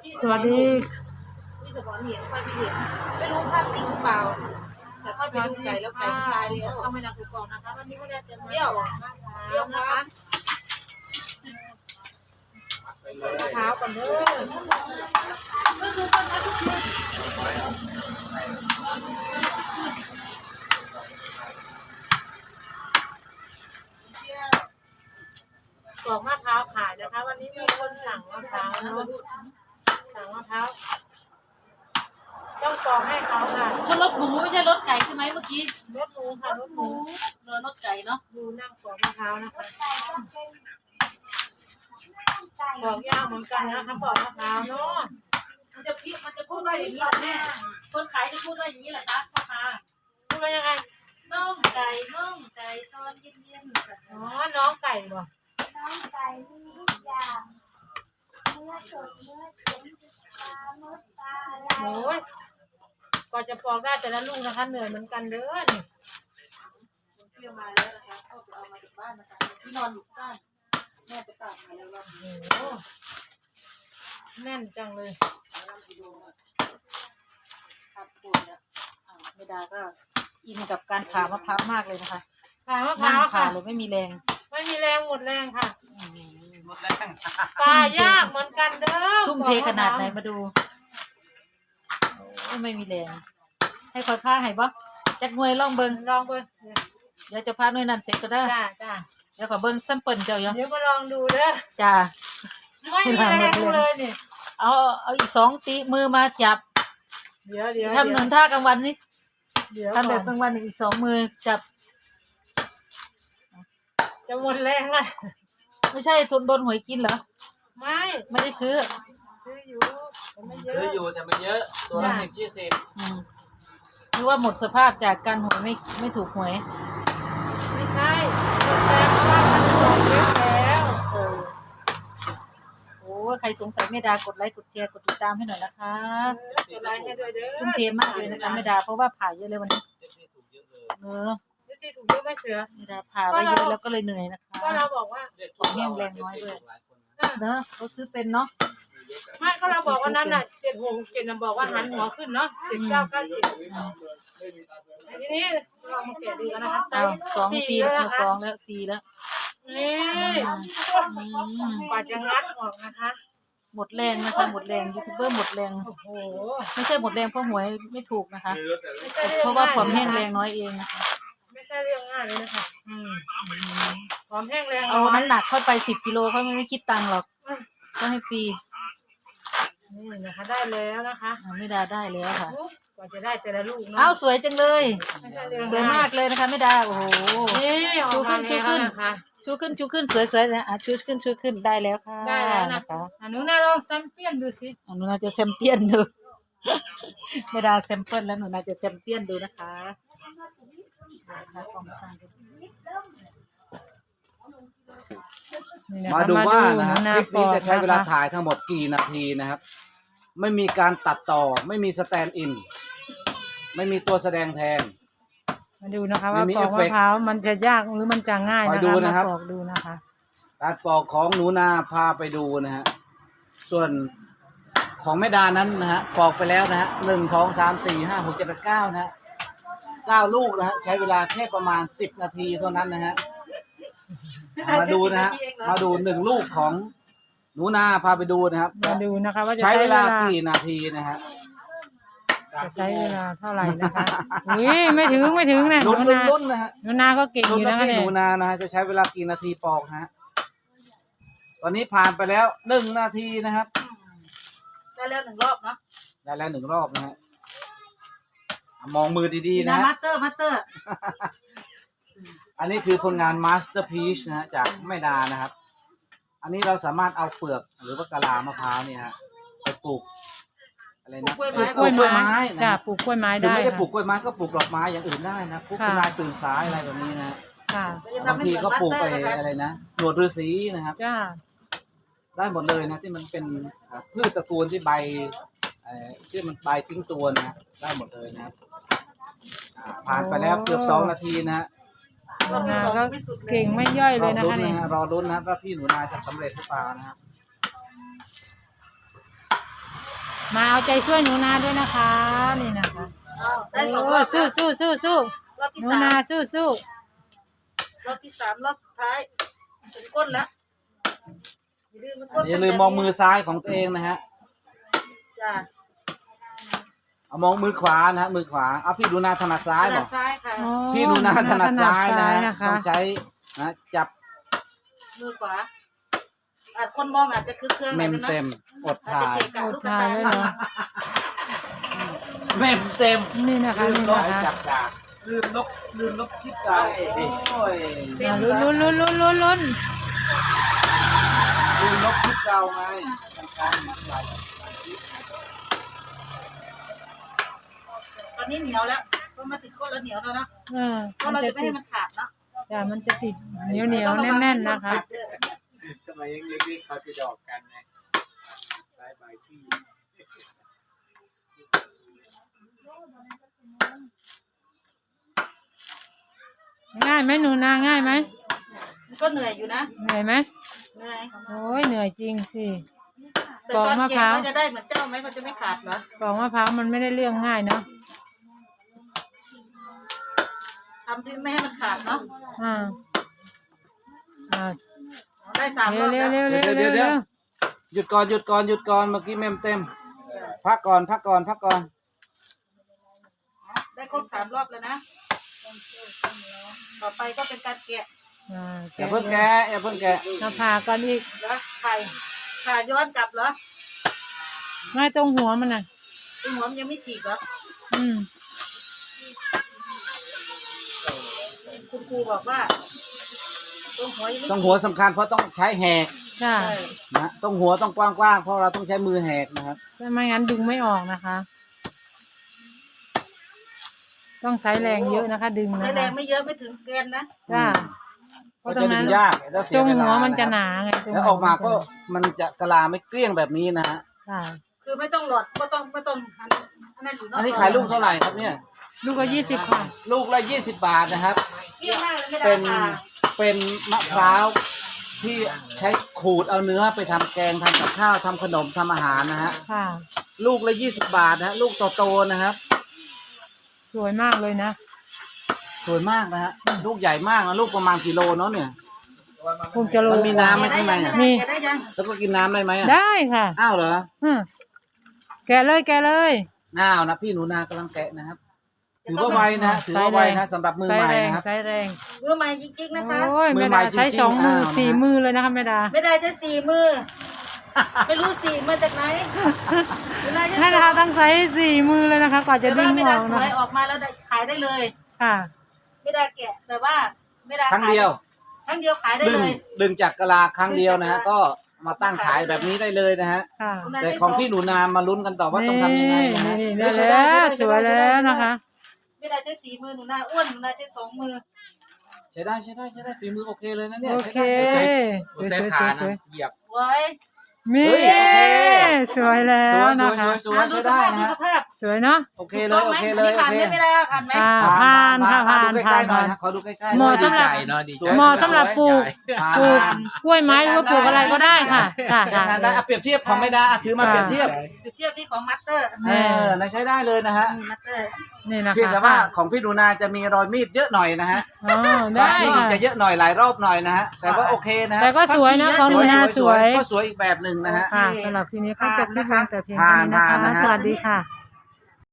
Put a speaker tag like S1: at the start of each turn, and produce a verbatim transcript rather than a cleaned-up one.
S1: สวัสดี
S2: พี่สมรเห็นค่อยไม่เห็นไม่รู้ภาพจริงหรือเปล่าแต่ค่อยไปดูไก่แล้วไก่มันตายแล้ว
S1: เข้าไม่นานกูก่อนนะคะวันนี้ก็ได้จะมา
S2: เที่ยวเที่ยว
S1: นะ
S2: นะคะ
S1: มะพร้าวก่อนเด้อ
S2: ก็คือต้นนั้นทุกที
S1: ปอกมะพร้าวขายนะคะวันนี้มีคนสั่งมะพร้าวนะสั่งมะพร้าวต้องปอกให้เขาค่ะ
S2: ชนรถหมูไม่ใช่รถไก่ใช่ไหมเมื่อกี้
S1: รถหมูค่ะรถหมู
S2: เรือรถไก่เนาะ
S1: ดูนั่งปอกมะพร้าวนะคะปอกยากเหมือนกันนะคะปอกมะพร้าวเนาะ
S2: มันจะพี่มันจะพูดว่าอย่างนี้เหรอแม่คนขายจะพูดว่าอย่างนี้เหรอคะพ่อค้า
S1: พูดว่ายังไง
S2: น่องไก่น่องไก่ตอนเย็นๆ
S1: อ๋อน้องไก่บ่
S3: น้องไก่มีทุกอย่างเนื้อสดเนื้อเค็มปลามดปลาอะไร
S1: โอ้ยกว่าจะปอกได้แต่ละลูกนะคะเหนื่อยเหมือนกันเด้อนี่
S2: เที่ยวมาแล้วนะคะก็ไปเอามาจากบ้านนะคะที่นอนอยู่บ้านแม่ไปตากมาแล้วรอบนี้
S1: โอ้โหแน่นจังเลย
S2: แล้วไปดูนะครับปวดแล้วอ่าแม่ดาก็อินกับการผ่ามะพร้าวมากเลยนะคะ
S1: ขามะพ
S2: นั่
S1: ร้างว
S2: ผ่า
S1: ค่ะ
S2: เลยไม่มีแรง
S1: ไม่มีแรงหมดแรงค่ะ
S2: หมดแรง
S1: ปลายากเหมือนกันเด้อ
S2: ทุ่มเทขนาดไหนมาดูโอ้ไม่มีแรงให้คอยพาให้บ่จักหน่วยลองเบิ่ง
S1: ลองเบิ่ง
S2: เดี๋ยวจะพาหน่วยนั้นเสร็จก็ได้
S1: จ้าจ้า
S2: เดี๋ยวขอเบิ่งซัมเปิลเจ้าอยู่
S1: เดี๋ยวมาลองดูเด้อ
S2: จ้า
S1: ไม่มีแรงเลยนี่
S2: เอาเอาอีกสองตีมือมาจับ
S1: เดี๋ยวเดี๋ยว
S2: ทำเหมือนท่ากลางวันนี่
S1: เดี๋ยว
S2: ทำแบบกลางวันอีกสองมือจับ
S1: จะหมดแรงเลย
S2: ไม่ใช่ทนโดนหวยกินเหรอ
S1: ไม่
S2: ไม่ได้ซื้อ
S1: ซื้ออยู่แต่ไม่เย
S4: ซื้อ
S1: อะ
S4: อยู่แต่ไม่เยอะตัวละสิบยี่สิบ
S2: อืมหรือว่าหมดสภาพจากการหวยไม่ไม่ถูกหวย
S1: ไม่ใช่หมดแรงเพราะว่ามันปอกเยอะแล้ว
S2: เออโอ้ใครสงสัยแม่ดากดไลค์กดแชร์กดติดตามให้หน่อยนะคะ
S1: กดไลค์ให้ด้วยเด้อ
S2: ทุ่มเทมากเลยนะคะแม่ดาเพราะว่าผ่าเยอะเลยวันนี้
S4: เจ็ดสิบถูกเยอะเลย
S2: เออ
S1: เดี๋ยวสิถูกเยอะไหม่เสือ
S2: แม่ดาผ่าไว้เยอะแล้วก็เลยเหนื่อยนะคะ
S1: ก็เราบอกว่า
S4: เด็กถูกแห้งแรงน้อยด้วย
S2: เนอะเขาซื้อเป็นเนาะ
S1: ไม่ก็เราบอกว่านั้นน่ะเจ็ดหกเจ็ดน่ะบอกว่าหันหัวขึ้นเนาะเจ็ดเก้าเก้าเจ็ดทีนี้เรามาแกะดูกันนะคะไซ
S2: อ้าว
S1: ส์
S2: สอง
S1: สี่
S2: ปี
S1: แล้ว
S2: แล้ว
S1: นะ
S2: สอ
S1: คะ
S2: งแล้วสี่แล้ว
S1: นี่
S2: อืม
S1: กว่าจะงัดออกนะคะ
S2: หมดแรงนะคะหมดแรงยูทูบเบอร์หมดแรง
S1: โอ้โห
S2: ไม่ใช่หมดแรงเพราะหวยไม่ถูกนะคะ
S1: ไม่ใช่เรื่อง
S2: เพราะว่าความแห้ง
S1: ง่
S2: แร
S1: ย
S2: งน้อยเองนะคะ
S1: ไม่ใช่เรื่องง่ายเลยนะคะ
S2: อืม
S1: ความแห้งแรง
S2: เอา
S1: น้อย
S2: น้ำหนักเข้าไปสิบกิโลเขาไม่คิดตังค์หรอกก็ให้ฟรี
S1: นี่นะคะได้แล้วนะคะ
S2: อ่าไม่ดาได้แล้วค่ะ
S1: กว่าจะได้แต่ละลูกเนาะ
S2: อ้าวสวยจังเลย
S1: ไม่ใช่เรื่อง
S2: สวยมากเลยนะคะไม่ดาโอ้โห
S1: นี่ออกมา
S2: ชูขึ้น
S1: แล้วนะคะ
S2: ชูขึ้นชูขึ้นสวยๆนะอ่ะชูขึ้นชูขึ้นได้แล้วค่ะ
S1: ได้แล้วนะ
S2: นะคะ
S1: อ่ะหนูน่าลองแซมเปี้ยนดูสิ
S2: อ่ะหนูน่าจะแซมเปี้ยนดูไม่ดาแซมเปิลแล้วหนูน่าจะแซมเปี้ยนดูนะคะนะคะของสั่งดู
S1: นี่นะคะ
S4: มาดูว่านะฮะ
S1: ห
S4: คลิปนี้จะใช้เวลา
S1: ปอกนะคะ
S4: ถ่ายทั้งหมดกี่นาทีนะครับ ไม่มีการตัดต่อไม่มีสแตนด์อิน ไม่มีตัวแสดงแทน
S1: มาดูนะคะว่า
S4: ไม่มี
S1: ปอก
S4: เอฟเฟ
S1: มะ
S4: กต์
S1: พร้าวมันจะยากหรือมันจะง่าย
S4: คอ
S1: นะ
S4: ยดู
S1: คะ
S4: นะครับ
S1: มาปอกดูนะคะ
S4: การปอกของหนูนาพาไปดูนะฮะส่วนของแม่ดานั้นนะฮะปอกไปแล้วนะฮะหนึ่งสองสามสี่ห้าหกเจ็ดแปดเก้านะฮะเก้าลูกนะฮะใช้เวลาแค่ประมาณสิบนาทีเท่านั้นนะฮะมาดูนะฮะมาดูหนึ่งลูกของหนูนาพาไปดูนะครับ
S1: มาดูนะคะว่าจะ
S4: ใช้
S1: ใช้
S4: เว
S1: เว
S4: ลา
S1: ลา
S4: กี่นาทีนะฮะ
S1: จะใช้เวลาเท่าไหร่นะคะอุ้ยไม่ถึงไม่ถึงนะหนู
S4: ลุ้นลุ้น
S1: นา
S4: ลุ้นนะฮะ
S1: หนูนาก็เก่งอ
S4: ลุ้น
S1: ยู่
S4: นะ
S1: นะคะ
S4: พี่
S1: เนี่
S4: ห
S1: ย
S4: นูนานะฮะจะใช้เวลากี่นาทีปอกฮะตอนนี้ผ่านไปแล้วหนึ่งนาทีนะครับ
S2: ได้แล้วหนึ่งรอบเนาะ
S4: ได้แล้วหนึ่งรอบนะฮะอ่ะมองมือดีๆนะ
S2: นะ
S4: ฮะ
S2: มาสเตอร์มาสเตอร์
S4: อันนี้คือผลงานมาสเตอร์พีชนะฮะจากแม่ดานะครับ อันนี้เราสามารถเอาเปลือกหรือว่ากะลามะพร้าวเนี่ยฮะไปปลูกอะไรนะ
S2: ปลูก
S1: ปลูก
S2: ก
S1: ก
S2: ล้
S1: ล้ว วย ย
S4: ไม้
S1: ไม้
S4: นะ
S1: จ้ะปลูกกล้วยไม้
S4: ถึง
S1: ได้
S4: ไม่ได้
S1: ค่ะ
S4: ปลูกกล้วยไม้ก็ปลูกดอกไม้อย่างอื่นได้นะพวก
S1: ค่ะ
S4: คุณนายตื่นสายอะไรแบบนี้นะ
S1: ค่ะ
S4: บางทีก็ปลูกไปอะไรนะหนวดฤาษีนะครับ
S1: จ้า
S4: ได้หมดเลยนะที่มันเป็นอ่าพืชตระกูลที่ใบเอ่อที่มันใบทิ้งตัวนะได้หมดเลยนะครับอ่าผ่านไปแล้วเกือบสองนาทีนะฮะ
S1: หนูนาก็เก่งไม่ย่อย
S4: ร
S1: เล
S4: อย
S1: นะ
S4: ลุ้น
S1: คะ
S4: นะ
S1: เนี่ย
S4: ฮะรอลุ้นนะครับว่าพี่หนูนาจะสำเร็จหรือเปล่านะครับ
S2: มาเอาใจช่วยหนูนาด้วยนะคะนี่นะคะ
S1: ได้สองร
S2: โอ้
S1: อบ
S2: สู้สู้สู้สู้
S1: รอบที่
S2: หนู
S1: สาม
S2: นาสู้สู้
S1: รอบที่สามรอบสุดท้ายถึงก้นแล้วอย่าลืมมันก้น
S4: อย่าลืมมองมือซ้ายของตัวเองนะฮะ
S1: จ้ะ
S4: เอามองมือขวานะฮะมือขวาเอาพี่ดูนาถนัดซ้าย
S1: ถ
S4: บ
S1: นั
S4: อ
S1: ด
S4: ก
S1: ซ้ายค่ะ
S2: อ๋อ
S4: พี่ดูนาถนัดซ้ายนะ
S2: นะคะ
S4: ต้องใช้นะจับ
S1: มือขวาอาจคนมองอาจจะคือเครื่อง
S4: เมม
S1: นะ
S4: เต็มอด
S1: อาจจะ
S4: ถ่าย
S1: เกะกะ
S2: อ
S1: ลู
S2: ด
S1: กกระ
S2: ทา
S1: ตาย
S2: ไว้
S1: ย
S2: เหรอ
S4: เมมเต็ม
S2: นี่นะคะ
S4: ลืม
S2: นี่
S4: ลบ
S2: นะคะ
S4: จับดาบลืมลบลืมลบคลิปเก่าโอ้ย
S2: อ่าลุ้นลุ้นลุ้นลุ้นลุ้นลุ้น
S4: ลืมลบคลิปเก่าไง
S1: ตอนนี้เหนียวแล้วก็มาติดก้นแล้วเหนียวแล้วนะ
S2: เออ
S1: เพราะ
S2: มัน
S1: เรา
S2: จะ
S1: จะไม่
S2: ติ
S1: ให้
S2: ด
S1: มันขาดเนาะ
S2: จ้ะมันจะติดเหนียวเหนียวแน่นแน่นๆนะคะ
S5: สมัยยังเล็กๆเขาจะดอกกันไงสายใบที่
S2: ง่ายไหมหนูนาง่ายไหม
S1: มันก็เหนื่อยอยู่นะ
S2: เหนื่อยไหม
S1: เหนื่อย
S2: โอ้ยเหนื่อยจริงสิ
S1: แต่
S2: ปอก
S1: ตอน
S2: มะพ
S1: แก่
S2: ร้าว
S1: ก็จะได้เหมือนเจ้าไหมมันจะไม่ขาดเหรอ
S2: ปอกมะพร้าวมันไม่ได้เรื่องง่ายเนาะ
S1: ทำที่ไม่ให้มันขาดเนาะ
S2: อ่าอ่า
S1: ได้สามร
S2: เร็
S1: อ
S2: ว
S1: บ
S2: เร็ว
S1: แล้ว
S2: เร็วเร็ว
S4: เดี๋ยว
S2: เร็ว
S4: เดี๋ยว
S2: เร็ว
S4: หยุดก่อนหยุดก่อนหยุดก่อนเมื่อกี้เมมเต็ม พักก่อนพักก่อนพักก่อน
S1: ได้ครบสามรอบแล้วนะ ต่อไปก็เป็นการแกะ
S2: อ่า
S4: อย่าเพิ่งแกะอย่าเพิ่งแกะ
S2: เราผ่ากันอีก
S1: แล้วไข่ขาย้อนกลับเหรอ
S2: ไม่ตรงหัวมันน่ะ
S1: ตัวหัวมันยังไม่ฉีกเหรอ
S2: อืม
S1: คุณครูบอกว่าตัวหัวยังไม่
S4: ต้องหัวสำคัญเพราะต้องใช้แหก
S2: จ้า
S1: ใช่
S4: นะต้องหัวต้องกว้างๆเพราะเราต้องใช้มือแหกนะครับ
S2: ถ้าไม่งั้นดึงไม่ออกนะคะ ต้องใช้แรงเยอะนะคะ ดึง
S1: ใช้
S2: นะ
S1: แร
S2: คะ
S1: งไม่เยอะไม่ถึงเกณฑ์นะ
S2: จ้าเพ
S4: ก็
S2: ราะตร
S4: จะ
S2: ง
S4: ดึ
S2: นั้น
S4: งยากแล้วเสี
S2: ตร
S4: ย
S2: ง
S4: เว
S2: หั
S4: ลาว
S2: มันจะ
S4: นะ
S2: หนาไงตรง
S4: แล้ว
S2: หั
S4: อ
S2: ว
S4: อกมาก็
S2: นจะหน
S4: มันจะกะลาไม่เกลี้ยงแบบนี้นะฮะ
S2: จ้า
S1: คือไม่ต้องหลอดไม่ต้องไม่ต้องอันอันนั้นอยู่นอก
S4: อันนี้ขายลูกเท่าไหร่ครับเนี่ย
S2: ลูกละยี่สิบค่ะ
S4: ลูกละยี่สิบบาทนะครับ
S1: เยี่ยมมากเลยไม่ได้
S4: เป็น
S1: ค่ะ
S4: เป็นมะพร้าวที่ใช้ขูดเอาเนื้อไปทำแกงทำกับข้าวทำขนมทำอาหารนะฮะ
S2: ค่ะ
S4: ลูกละยี่สิบบาทนะฮะลูกโตๆนะครับ
S2: สวยมากเลยนะ
S4: สวยมากนะฮะลูกใหญ่มากนะลูกประมาณกิโลเนาะเนี่ย
S2: คงจะโล
S4: มันมีน้ำไหมข้างในอ่ะ
S2: มี
S1: แกะได้ยัง
S4: แล้วก็กินน้ำได้ไหมอ่ะ
S2: ได้ค่ะ
S4: อ้าวเหรอ
S2: อืมแกะเลยแกะเลย
S4: อ้าวนะพี่หนูนากำลังแกะนะครับ ถือว่าไวนะถือว่าไวนะสำหรับมือ
S2: ใช้
S4: ใหม่
S2: แรง
S4: นะครับ
S2: ใช้แรง
S1: มือใหม่จริงๆนะคะ
S2: โอ้ย
S4: มื
S2: แม่
S4: อใหม่
S2: ดาใช้
S4: จริงๆ
S2: สองมือ
S4: อ้าวนะ
S2: สี่มือเลยนะคะแม่ดา
S1: ไม่ได้ใช้สี่มือ ไม่รู้สี่มาจากไหนไม่ได้ใช้
S2: แม่
S1: ส
S2: ดา
S1: อง
S2: ต้องใช้สี่มือเลยนะคะกว่าจะ
S1: แต่
S2: ดึ
S1: ว่าง ไม่
S2: อ
S1: ได้
S2: อก
S1: ส
S2: นะ
S1: วยออกมาแล้วได้ขายได้เลย
S2: ค่ะ
S1: ไม่ได้แกะแต่ว่าไม่ได้
S4: ครั้งเดียว
S1: ครั้งเดียวขายได้
S4: ดึง
S1: เลย
S4: ดึงจากกะลาครั้งเดียวนะฮะก็มาตั้งขายแบบนี้ได้เลยนะฮะ
S2: ค่ะ
S4: แต่ของพี่หนูนามาลุ้นกันต่อว่าต้องทำยังไงนะฮะ
S2: นี่
S4: เฮ้
S2: ได้
S4: ยใช้ได้
S2: แล้ว
S4: ใช้
S2: ส
S4: ได้
S2: วย
S4: ใช้ได้
S2: แล้วนะคะ
S1: ไม่ได้ใช้สี่มือหนูนาอ้วนหนูนาใช้สองมือ
S4: ใช้ได้ใช้ได้ใช้ได้ฝีมือโอเคเลยนะเนี่ย
S2: โอเค
S4: ใช้ได้
S2: สวย
S5: ใช้
S2: สวย
S5: ขา
S2: สวย
S5: นะเหยียบ
S1: ไว้
S2: มี
S4: เฮ้ยโอเค
S2: สวยแล้
S4: สว
S2: วย
S4: ส
S2: นะ
S4: วยส
S2: คะ
S4: วยสวยใช้ได้นะ
S1: ดู
S4: ฮะ
S1: สภาพ
S2: สวยเนาะ
S4: โอเคเลยโอเคเลยโอ
S1: ผ่าน
S4: เค
S1: ไหมไม่ได้ผ่านไหม
S2: อ่าผ่านค่ะผ่าน
S4: ดูใก
S2: ผ่า
S4: ล้
S2: น
S4: ๆหน่อย
S2: ผ่าน
S4: นะขอดูใกล้ๆ
S2: เหมาะ
S4: หน่อย
S2: สำหรับ
S5: ดีใจเนาะดีใจ
S2: เหมาะสำหรับปลูก
S4: ผ่าน
S2: ปลูกกล้วยไม้หรือว่าปลูกอะไรก็ได้ค่ะค่ะ
S4: ใช้
S2: ค่ะ
S4: งานได้อ่ะเปรียบเทียบของไม่ได้อ่ะถือมาเปรียบเทียบ
S1: เปรียบเทียบที่ของมัตเตอร์
S4: เออนะใช้ได้เลยนะฮะ
S1: มัตเตอร์
S2: นี่นะ
S4: เพียง
S2: คะ
S4: แต่ว่าของพี่หนูนาจะมีรอยมีดเยอะหน่อยนะฮะ
S2: อ๋อ
S4: รอย
S2: ได้
S4: ที่
S2: ค่ะ
S4: จะเยอะหน่อยหลายรอบหน่อยนะฮะแต่ว่าโอเคนะฮะ
S2: แต่ก็สวยนะของหนูนาสวย
S4: ก็สวยอีกแบบหนึ่งนะฮะ
S2: ค่ะสำหรับทีนี้เขาจะคลิปลงแต่เพียงเท่านี้นะ
S4: ผ่านๆ
S2: คะ
S4: นะฮะ
S2: สวัสดีค่ะ